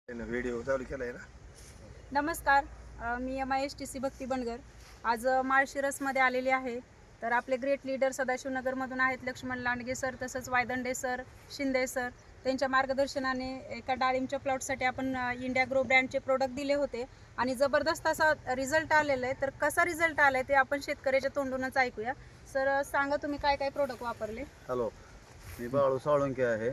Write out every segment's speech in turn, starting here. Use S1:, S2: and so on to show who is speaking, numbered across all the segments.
S1: Video चालू केलाय ना.
S2: नमस्कार, मी MISTC भक्ती बनगर. आज माळशिरसमध्ये आलेली आहे. तर आपले ग्रेट लीडर सदाशिवनगरमधून आहेत लक्ष्मण लांडगे सर, तसंच वायदंडे सर, शिंदे सर. त्यांच्या मार्गदर्शनाने एका डाळिंबच्या प्लॉटसाठी आपण इंडिया ग्रो ब्रँडचे प्रोडक्ट दिले होते आणि जबरदस्त असा रिझल्ट आलेला आहे. तर कसा रिझल्ट आला आहे ते आपण शेतकऱ्याच्या तोंडूनच ऐकूया. सर सांगा तुम्ही काय काय प्रोडक्ट वापरले.
S3: हॅलो, मी बाळू साळुंके आहे,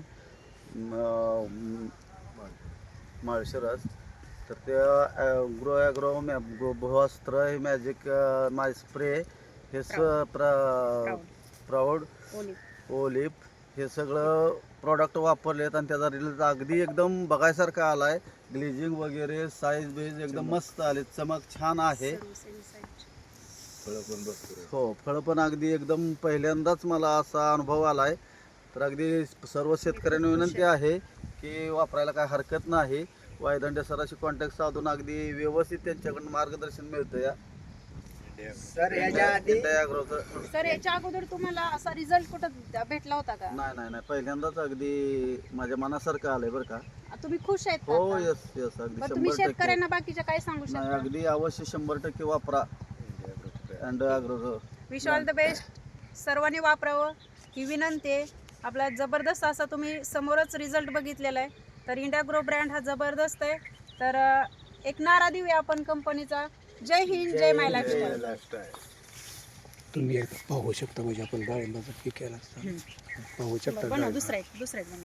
S3: माळशिरस. तर ते ॲग्रो भुवस्त्र हे मॅजिक माय स्प्रे हे प्राऊड ओलिप हे सगळं प्रॉडक्ट वापरलेत आणि त्याचा रिझल्ट अगदी एकदम बघायसारखा आला आहे. ग्लेजिंग वगैरे साईज बेज एकदम मस्त आले, चमक छान आहे. हो, फळं पण अगदी एकदम पहिल्यांदाच मला असा अनुभव आला आहे. तर अगदी सर्व शेतकऱ्यांना विनंती आहे की वापरायला काय हरकत नाही. वायदंडे सरांशी कॉन्टॅक्ट साधून अगदी व्यवस्थित त्यांच्याकडून मार्गदर्शन मिळतं या
S1: सर
S2: याच्या अगोदर तुम्हाला असा रिझल्ट कुठं भेटला होता का?
S3: नाही, पहिल्यांदाच अगदी माझ्या मनासारखं आलंय बरं का.
S2: तुम्ही खुश आहेत का
S3: हो,
S2: आता?
S3: यस अगदी
S2: बरं, तुम्ही
S3: 100%
S2: शेतकऱ्यांना बाकीच्या काय सांगू
S3: नाही,
S2: शकता?
S3: अगदी अवश्य 100% वापरा. And agro
S2: wish all the best. सर्वांनी वापरावं ही विनंती आहे. आपला जबरदस्त असा तुम्ही समोरच रिझल्ट बघितलेला आहे. तर इंडिया ग्रो ब्रँड हा जबरदस्त आहे. तर एक नारा देऊया आपण कंपनीचा. जय हिंद, जय माय लाईफस्टाईल.
S4: तुम्ही पाहू शकता, म्हणजे आपण डाळिंबाचा पीक केला असता पाहू शकता.
S2: दुसरा एक